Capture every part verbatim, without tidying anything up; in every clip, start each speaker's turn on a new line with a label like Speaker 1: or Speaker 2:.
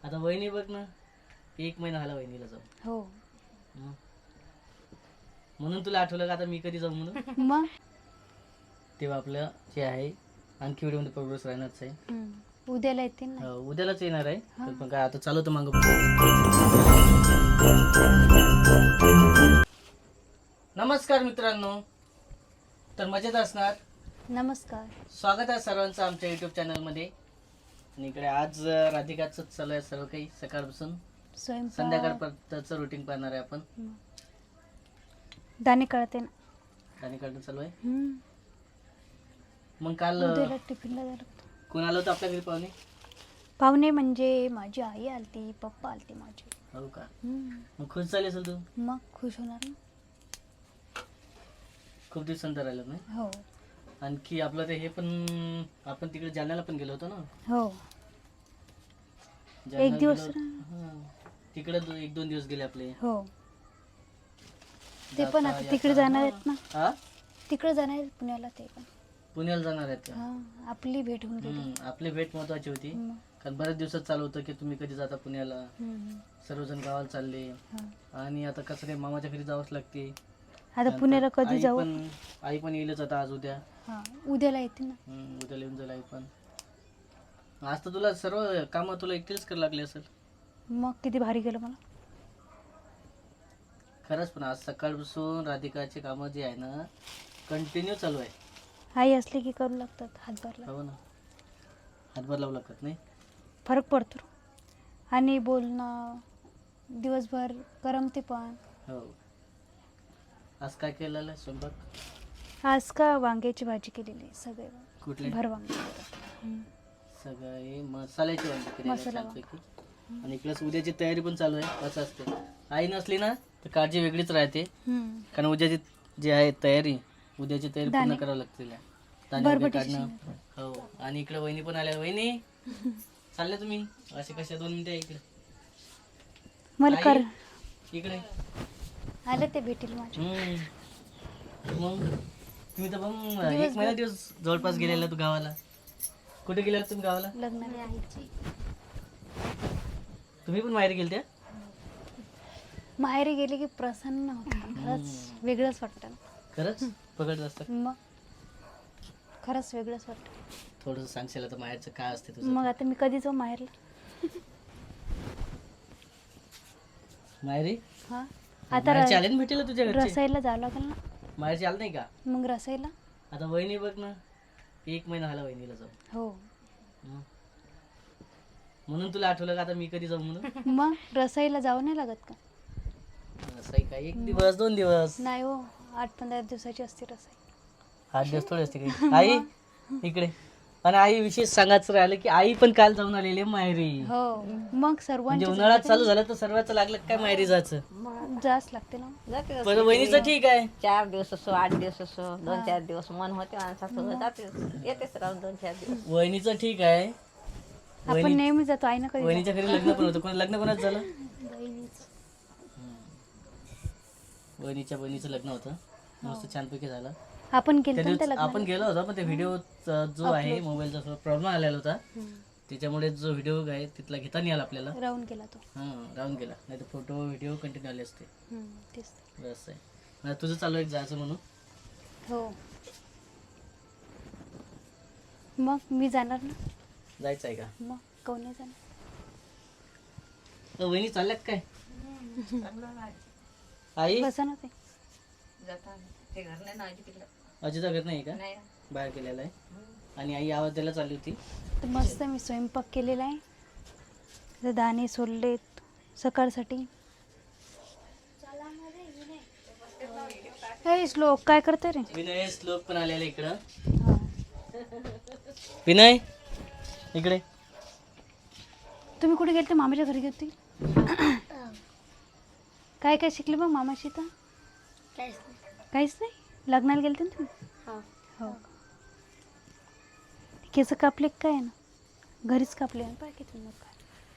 Speaker 1: आता वहिनी बघ ना, एक महिना झाला वहिनीला जाऊन.
Speaker 2: हो
Speaker 1: हं. म्हणून तुला आठवलं का आता मी कधी जाऊ म्हणून.
Speaker 2: मग
Speaker 1: तेव्हा आपलं जे आहे आणखी व्हिडिओ मध्ये प्रोग्रेस राहणारच आहे.
Speaker 2: हम्म. उद्याला येतील ना.
Speaker 1: हो, उद्यालाच येणार आहे.
Speaker 2: हा.
Speaker 1: तर पण काय आता चालू होतं मागं. नमस्कार मित्रांनो, तर मजेत असणार.
Speaker 2: नमस्कार.
Speaker 1: स्वागत आहे सर्वांचं आमच्या युट्यूब चॅनलमध्ये. आणि इकडे आज अं, राधिकाचं चालू आहे सर्व काही सकाळपासून
Speaker 2: स्वयंपाक
Speaker 1: संध्याकाळपर्यंतचं रुटीन पाहणार आहे आपण.
Speaker 2: दाणे कळते ना.
Speaker 1: आणि काढून चालू आहे.
Speaker 2: हम्म.
Speaker 1: मग काल
Speaker 2: उद्याला टिफिनला जायला लागतं.
Speaker 1: कोण आलं होतं आपल्या घरी पाहुणे?
Speaker 2: पाहुणे म्हणजे माझी आई आलती, पप्पा आलते माझे.
Speaker 1: हो का?
Speaker 2: हम्म.
Speaker 1: मग खुश झाली असेल तू?
Speaker 2: मग खुश होणार ना.
Speaker 1: खूप दिवसांतर राहिलं नाही.
Speaker 2: हो
Speaker 1: आणखी आपलं ते हे पण आपण तिकडे जालन्याला पण गेलो होतो ना.
Speaker 2: हो
Speaker 1: जालन्याला
Speaker 2: एक दिवस
Speaker 1: गेलो होतो. हां. तिकडे दो- एक दोन दिवस गेले आपले.
Speaker 2: हो ते पण
Speaker 1: जाता
Speaker 2: आता तिकडे
Speaker 1: येता.
Speaker 2: जाणार आहेत ना.
Speaker 1: हा?
Speaker 2: तिकडे जाणार आहेत पुण्याला ते पण.
Speaker 1: पुण्याला जाणार आहेत का?
Speaker 2: हा आपली भेट होऊन गेली.
Speaker 1: हम्म, आपली भेट महत्वाची होती.
Speaker 2: मग.
Speaker 1: कारण बऱ्याच दिवसात चालू होतं की तुम्ही कधी जाता पुण्याला.
Speaker 2: हम्म.
Speaker 1: सर्वजण गावाला चालले.
Speaker 2: हा.
Speaker 1: आणि आता कसं काय मामाच्या घरी जावंच लागते.
Speaker 2: आता पुण्याला कधी
Speaker 1: आई
Speaker 2: जाऊ.
Speaker 1: पण आई पण येईलच आता आज उद्या.
Speaker 2: हा उद्याला येते ना.
Speaker 1: हम्म, उद्या येऊन जाईल आई पण. आज तर तुला सर्व कामं तुला एकटीच करायला लागली असेल.
Speaker 2: मग किती भारी गेलं मला.
Speaker 1: खरंच पण आज सकाळपासून राधिकाचे कामं जे आहे ना कंटिन्यू चालू आहे.
Speaker 2: आई असली की करू लागतात हातभार.
Speaker 1: हो ना, हातभार लावू लागतात नाही.
Speaker 2: फरक पडतो आणि बोलणं दिवसभर करमते पण.
Speaker 1: हो. आज काय केलेलं आहे स्वयंपाक?
Speaker 2: आज का वांग्याची भाजी केलेली आहे सगळे
Speaker 1: कुठले?
Speaker 2: भर वांगे. हम्म.
Speaker 1: सगळे मसाल्याची वांगी केलेली आहे
Speaker 2: मसाला
Speaker 1: छानपैकी. आणि प्लस उद्याची तयारी पण चालू आहे. असं असते, आई नसली ना तर काळजी वेगळीच राहते.
Speaker 2: हम्म.
Speaker 1: कारण उद्याची जी आहे तयारी, उद्याची तयारी पूर्ण
Speaker 2: दाणे.
Speaker 1: करावं लागते तिला. दाणे वगैरे
Speaker 2: बरबटीची
Speaker 1: काढणं. हो. आणि इकडे वहिनी पण आल्या. वहिनी चालले तुम्ही असे कशा? दोन मिनिटं इकडे.
Speaker 2: मला कर
Speaker 1: आई, इकडे.
Speaker 2: आले ते भेटील माझ्या.
Speaker 1: हम्म. मग तुम्ही तर मग एक महिना दिवस जवळपास गेलेला तू गावाला. कुठे गेला तुम्ही गावाला?
Speaker 2: लग्न
Speaker 1: तुम्ही पण माहेरी गेलत्या?
Speaker 2: माहेरी गेले की प्रसन्न होतं. खरंच वेगळंच वाटतं.
Speaker 1: खरंच पकडत असतात.
Speaker 2: मग खरंच वेगळंच वाटतं.
Speaker 1: थोडंसं सांगशील आता माहेरचं काय असते तुझं?
Speaker 2: मग आता मी कधी जाऊ माहेरला.
Speaker 1: माहेरी
Speaker 2: हा आता
Speaker 1: माहेरची आले ना भेटेल तुझ्या घरचे?
Speaker 2: रसायला जावं लागेल ना.
Speaker 1: माहेरची आलं नाही का?
Speaker 2: मग रसायला.
Speaker 1: आता वहिनी बघ ना, एक महिना झाला वहिनीला जाऊन.
Speaker 2: हो
Speaker 1: हं. म्हणून तुला आठवलं का आता मी कधी जाऊ म्हणून.
Speaker 2: मग रसायला जावं नाही लागत का?
Speaker 1: असं आहे का? एक दिवस दोन दिवस
Speaker 2: नाही हो, आठ पंधरा दिवसाची असते रसाई.
Speaker 1: आठ दिवस थोडे असते काही. आई इकडे. आणि आई विशेष सांगायचं राहिलं की आई पण काल जाऊन आलेली आहे माहेरी.
Speaker 2: हो मग
Speaker 1: म्हणजे
Speaker 2: सर्वांची
Speaker 1: उन्हाळ्यात चालू झालं तर सर्वांचं लागलं काय माहेरी जायचं.
Speaker 2: जास्त लागते ना.
Speaker 3: जाते
Speaker 1: पण वहिनीचं ठीक आहे.
Speaker 3: चार दिवस असो आठ दिवस असो दोन चार दिवस मन होते माणसासोबत जाते येतेच राहून दोन चार दिवस.
Speaker 1: वहिनीचं ठीक आहे.
Speaker 2: आपण नेहमी जातो. आई ना कधी
Speaker 1: वहिनीच्या घरी लग्न पण होतं. कोण लग्न कोणाचं झालं? वहिनीच्या बहिणीचं लग्न होतं. मस्त छानपैकी झालं.
Speaker 2: आपण
Speaker 1: त्या
Speaker 2: गेलो
Speaker 1: दिवशी आपण गेलो होतो पण ते व्हिडिओ जो आहे मोबाईलचा थोडा प्रॉब्लेम आलेला होता. त्याच्यामुळे जो व्हिडिओ आहे तिथला घेता नाही आला आपल्याला.
Speaker 2: राहून गेला तो.
Speaker 1: हां, राहून गेला. नाही तर फोटो व्हिडिओ कंटिन्यू आले असते.
Speaker 2: हम्म, तेच.
Speaker 1: असं आहे. मला तुझं चालू आहे जायचं म्हणून.
Speaker 2: हो मग मी जाणार ना.
Speaker 1: जायचं आहे का?
Speaker 2: मग कोण नाही जाणार.
Speaker 1: अ, वहिनी चालल्यात काय? आई
Speaker 2: बसा ना ते.
Speaker 3: ते घर नाही ना आजी तिकडं
Speaker 1: अजिता घर नाही का?
Speaker 3: नाही
Speaker 1: बाहेर गेलेला आहे. आणि आई आवाज द्यायला चालली होती.
Speaker 2: तर मस्त मी स्वयंपाक केलेला आहे. तर दाणे सोललेत सकाळसाठी. हे श्लोक काय करते रे?
Speaker 1: विनय श्लोक पण आलेला इकडं.
Speaker 2: हा.
Speaker 1: विनय इकडे.
Speaker 2: तुम्ही कुठे गेलते? मामाच्या घरी गेलते. काय काय शिकले मग मामाशी? तर काहीच नाही. लग्नाला गेलते ना तुम्ही? हो केस कापले काय ना? घरीच कापले ना. पाय किती मग काय.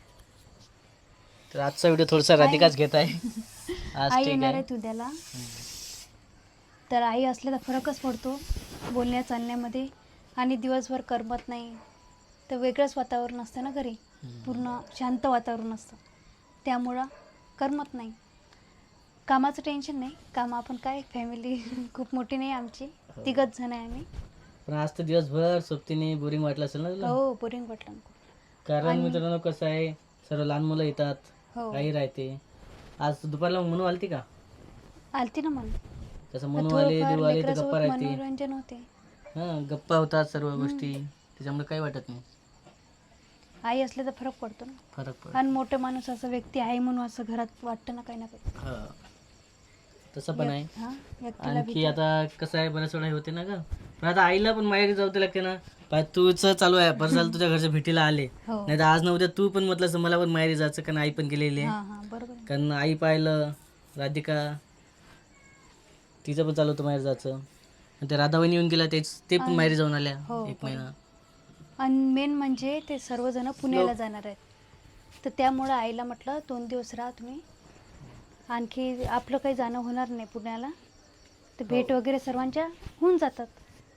Speaker 1: तर आजचा व्हिडिओ थोडासा राधिकाच घेत आहे. आज
Speaker 2: आई
Speaker 1: ठीक
Speaker 2: येणार
Speaker 1: आहे.
Speaker 2: आहे उद्याला. तर आई असले तर फरकच पडतो बोलण्या चालण्यामध्ये. आणि दिवसभर करमत नाही तर वेगळंच वातावरण असतं ना घरी. पूर्ण शांत वातावरण असतं, त्यामुळं करमत नाही. कामाचं टेन्शन नाही, काम आपण काय फॅमिली खूप मोठी नाही आमची, तिघच जण आहे आम्ही.
Speaker 1: पण आज तर दिवसभर सोबतीने बोरिंग वाटलं असेल ना तुला?
Speaker 2: हो बोरिंग वाटलं खूप.
Speaker 1: कारण मित्रांनो कसं आहे, सर्व लहान मुलं येतात,
Speaker 2: हो
Speaker 1: आई राहते. आज दुपारला मनू आलती का?
Speaker 2: आलती ना मला.
Speaker 1: तसं मनू आले, देव आले तर गप्पा राहते.
Speaker 2: मनोरंजन होते.
Speaker 1: हा, गप्पा होतात सर्व गोष्टी, त्याच्यामुळे काही वाटत नाही.
Speaker 2: आई असले तर फरक पडतो ना.
Speaker 1: फरक पडतो.
Speaker 2: आणि मोठे माणूस असं व्यक्ती आहे म्हणून असं घरात वाटतं ना काही ना काही.
Speaker 1: हा, तसं पण आहे.
Speaker 2: हा, व्यक्तीला
Speaker 1: आणखी आता कसं आहे, बऱ्याच वेळा होते ना ग, पण आता आईला पण माहेरी जाऊ ते लागते ना. पाय तुझ चालू आहे, बरं झालं तुझ्या घरच्या भेटीला आले,
Speaker 2: हो.
Speaker 1: नाही तर आज ना उद्या तू पण म्हटलं असं मला पण माहेरी जायचं, कारण आई पण गेलेली आहे.
Speaker 2: हा हा बरोबर आहे.
Speaker 1: कारण आई पाहिलं, राधिका तिचं पण चालू होतं माहेर जायचं, आणि ते राधावहिनी येऊन गेला, तेच ते पण माहेरी जाऊन आल्या
Speaker 2: हो,
Speaker 1: एक महिना.
Speaker 2: आणि मेन म्हणजे ते सर्वजण पुण्याला जाणार आहेत, तर त्यामुळं आईला म्हटलं दोन दिवस राहा तुम्ही, आणखी आपलं काही जाणं होणार नाही पुण्याला, तर भेट वगैरे सर्वांच्या होऊन जातात.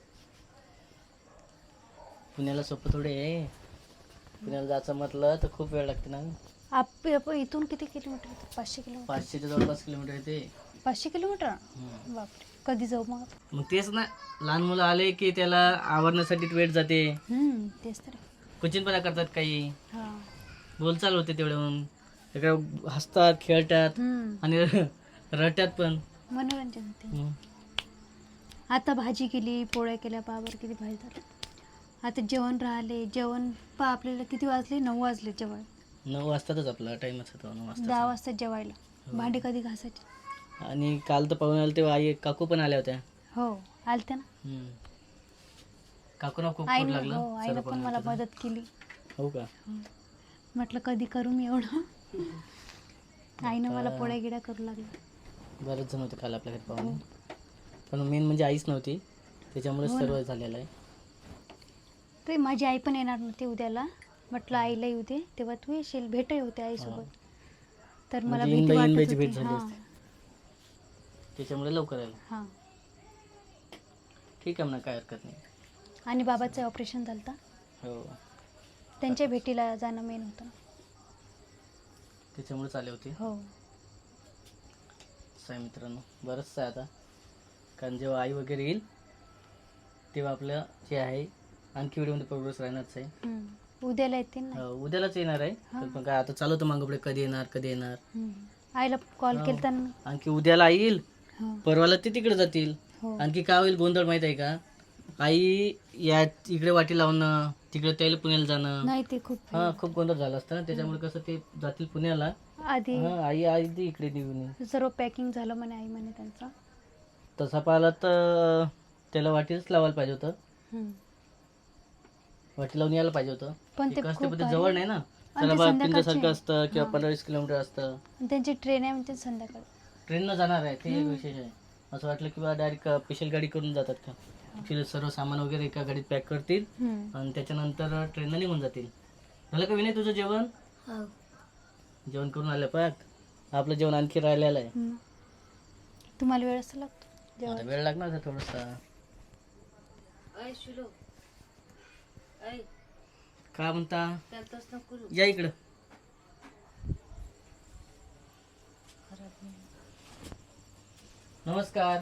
Speaker 1: पुण्याला सोपं थोडे आहे, पुण्याला जायचं म्हटलं तर खूप वेळ लागते ना.
Speaker 2: आप आप- इथून किती किलोमीटर येतं? पाचशे किलोमीटर.
Speaker 1: पाचशेच्या जवळपास किलोमीटर येते.
Speaker 2: पाचशे किलोमीटर
Speaker 1: हम्म.
Speaker 2: बापरे, कधी जाऊ मग?
Speaker 1: मग तेच ना, लहान मुलं आले की त्याला आवरण्यासाठी वेळ जाते,
Speaker 2: हम्म, तेच तर.
Speaker 1: कुचिनपणा करतात काही,
Speaker 2: हां.
Speaker 1: बोलचाल होते तेवढं, तिकडे हसतात खेळतात
Speaker 2: हम्म,
Speaker 1: आणि रडतात पण.
Speaker 2: मनोरंजन होते.
Speaker 1: हम्म.
Speaker 2: आता भाजी केली, पोळ्या केल्या, पावर किती भाजी झालं. आता जेवण राहिले, जेवण पा आपल्याला किती वाजले? नऊ वाजले जेवण.
Speaker 1: नऊ वाजतातच आपला टाइमच होता, नऊ वाजता.
Speaker 2: दहा वाजता जेवायला. भांडी कधी घासायची?
Speaker 1: आणि काल तर पाहून आले तेव्हा आई काकू पण आल्या होत्या.
Speaker 2: हो आलते ना.
Speaker 1: हम्म. काकूना खूप पोट
Speaker 2: आईनं
Speaker 1: लागलं.
Speaker 2: हो आईनं
Speaker 1: सर्व
Speaker 2: पण
Speaker 1: पाहुणे
Speaker 2: मला
Speaker 1: होते.
Speaker 2: मदत केली.
Speaker 1: हो का?
Speaker 2: म्हटलं कधी करू मी एवढं. आईनं मला पोळ्या गिड्या करू लागल्या.
Speaker 1: बरेच जण होते काल आपल्या घरी पाहुणे, पण मेन म्हणजे आईच नव्हती, त्याच्यामुळे
Speaker 2: हो ना.
Speaker 1: सर्व झालेलं आहे.
Speaker 2: ते माझी आई पण येणार नव्हती उद्याला, म्हटलं आईला येऊ दे, तेव्हा तू येशील, भेटही होते आईसोबत. तर मला
Speaker 1: म्हणजे
Speaker 2: भीती
Speaker 1: इनबाई-
Speaker 2: वाटत
Speaker 1: इनबाईची
Speaker 2: होती.
Speaker 1: भेट झाली
Speaker 2: हां
Speaker 1: असते. त्याच्यामुळे लवकर आलं.
Speaker 2: हां.
Speaker 1: ठीक आहे म्हणा, काय हरकत नाही.
Speaker 2: आणि बाबाचं ऑपरेशन झालं होतं,
Speaker 1: हो,
Speaker 2: त्यांच्या भेटीला जाणं मेन होतं.
Speaker 1: त्याच्यामुळेच आले होते.
Speaker 2: हो
Speaker 1: असं आहे मित्रांनो, बरंच आहे आता, कारण जेव्हा आई वगैरे येईल तेव्हा आपलं जे आहे आणखी व्हिडिओमध्ये प्रोग्रेस राहणारच आहे.
Speaker 2: हम्म. उद्याला येतील ना.
Speaker 1: हो, उद्यालाच येणार आहे.
Speaker 2: हा.
Speaker 1: पण काय आता चालू होतं मागं पुढे, कधी येणार कधी येणार.
Speaker 2: हम्म. आईला कॉल
Speaker 1: हो.
Speaker 2: केलता ना.
Speaker 1: आणखी उद्याला आई येईल,
Speaker 2: हो
Speaker 1: परवाला ते तिकडे जातील.
Speaker 2: हो
Speaker 1: आणखी काय होईल गोंधळ माहित आहे का, आई या इकडे वाटी लावणं, तिकडे त्याला पुण्याला जाणं,
Speaker 2: नाही ते खूप
Speaker 1: हा खूप गोंधळ झाला असतं ना. त्याच्यामुळे कसं ते जातील पुण्याला,
Speaker 2: आधी
Speaker 1: हा आई आधी इकडे निघून येईल.
Speaker 2: सर्व पॅकिंग झालं म्हणे आई म्हणे त्यांचं.
Speaker 1: तसा पाहिला तर त्याला वाटीच लावायला पाहिजे होतं,
Speaker 2: हम्म.
Speaker 1: वाटी लावून यायला पाहिजे होतं.
Speaker 2: पण ते
Speaker 1: एक असते
Speaker 2: खूप
Speaker 1: पण ते
Speaker 2: भारी.
Speaker 1: जवळ नाही ना,
Speaker 2: आणि
Speaker 1: त्याला
Speaker 2: ते
Speaker 1: बा
Speaker 2: संध्याकाळचे.
Speaker 1: पिंजासारखं असतं किंवा
Speaker 2: हा.
Speaker 1: पंधरा वीस किलोमीटर असतं.
Speaker 2: आणि त्यांची ट्रेन आहे म्हणजे संध्याकाळी.
Speaker 1: ट्रेननं जाणार आहे ते एक विशेष आहे. असं वाटलं की बा डायरेक्ट स्पेशल गाडी करून जातात का, ॲक्च्युली सर्व सामान वगैरे एका गाडीत पॅक करतील
Speaker 2: हम्म.
Speaker 1: आणि त्याच्यानंतर ट्रेननं निघून जातील. झालं का विनय तुझं जेवण? जेवण करून आलं पाक, आपलं जेवण आणखी राहिलेलं आहे.
Speaker 2: हम्म. तुम्हाला वेळ असं लागतो
Speaker 1: आता
Speaker 2: जेवण?
Speaker 1: वेळ लागणार आहे थोडासा. का म्हणता, या इकडं. नमस्कार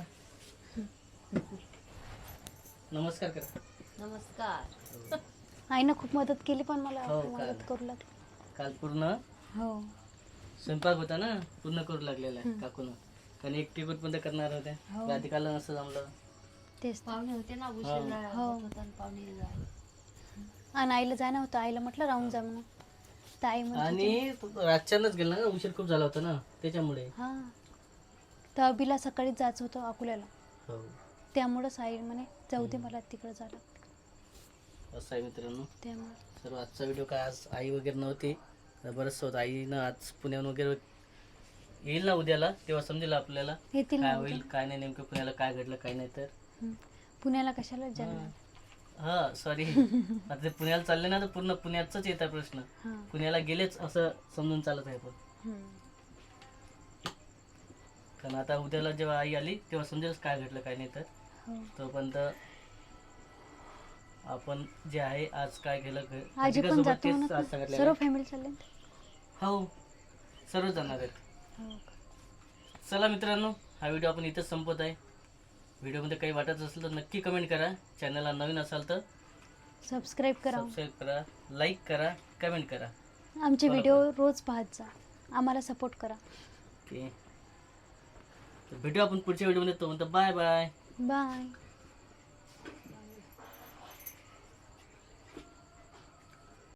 Speaker 1: नमस्कार करा.
Speaker 3: नमस्कार.
Speaker 2: आईनं खूप मदत केली, पण मला
Speaker 1: हो,
Speaker 2: मदत
Speaker 1: काय?
Speaker 2: करू लागली.
Speaker 1: काल पूर्ण
Speaker 2: हो
Speaker 1: स्वयंपाक होता ना, पूर्ण करू लागलेला आहे काकून, कारण एकटी पण ते करणार होत्या.
Speaker 2: हो.
Speaker 1: राधिकाला नसतं जमलं.
Speaker 2: तेच तर.
Speaker 3: पाहुणे होते ना,
Speaker 1: हो.
Speaker 3: उशीर
Speaker 2: हो.
Speaker 3: होता आणि पाहुणे जायला.
Speaker 2: आणि आईला जाणं होतं, आईला म्हटलं राहून जा म्हणून, तर आई म्हणत होती,
Speaker 1: आणि रातच्यानंच गेला ना, उशीर खूप झाला होता ना त्याच्यामुळे.
Speaker 2: हा तर अभिला सकाळीच जायचं होतं अकोल्याला,
Speaker 1: हो,
Speaker 2: त्यामुळंच आई म्हणे जाऊ दे मला तिकडं जायला.
Speaker 1: असं आहे मित्रांनो.
Speaker 2: त्यामुळे
Speaker 1: सर्व आजचा व्हिडिओ काय, आज आई वगैरे नव्हती, बरंच होतं. आईनं आज पुण्याहून वगैरे येईल ना उद्याला, तेव्हा समजेल आपल्याला
Speaker 2: येतील
Speaker 1: काय
Speaker 2: ना
Speaker 1: होईल
Speaker 2: उद्या.
Speaker 1: काय नाही, नेमकं पुण्याला काय घडलं काय नाही तर.
Speaker 2: हम्म. पुण्याला कशाला जाणार?
Speaker 1: हा सॉरी, आता ते पुण्याला चालले ना तर पूर्ण पुण्याचाच येतात प्रश्न.
Speaker 2: हा
Speaker 1: पुण्याला गेलेच असं समजून चालत आहे. पण
Speaker 2: हम्म.
Speaker 1: कारण आता उद्याला जेव्हा आई आली तेव्हा समजेल काय घडलं काय नाही तर.
Speaker 2: हो
Speaker 1: तोपर्यंत आपण जे आहे आज काय केलं घ-
Speaker 2: आजी पण
Speaker 1: घटकासोबत
Speaker 2: जातो
Speaker 1: तेच
Speaker 2: म्हणत
Speaker 1: आज
Speaker 2: ना.
Speaker 1: सांगितलेलं
Speaker 2: सर्व
Speaker 1: आहे.
Speaker 2: फॅमिली चालले
Speaker 1: हो सर्व जाणार आहेत.
Speaker 2: हो.
Speaker 1: चला मित्रांनो, हा व्हिडिओ आपण इथंच संपत आहे. व्हिडिओमध्ये काही वाटत असेल तर नक्की कमेंट करा. चॅनलला नवीन असाल तर
Speaker 2: सबस्क्राईब करा.
Speaker 1: सबस्क्राईब करा, लाईक करा, कमेंट करा.
Speaker 2: आमचे
Speaker 1: follow
Speaker 2: व्हिडिओ रोज पाहत जा. आम्हाला सपोर्ट करा.
Speaker 1: ओके, तर भेटू आपण पुढच्या व्हिडिओमध्ये. तो म्हणतो बाय बाय.
Speaker 2: बाय.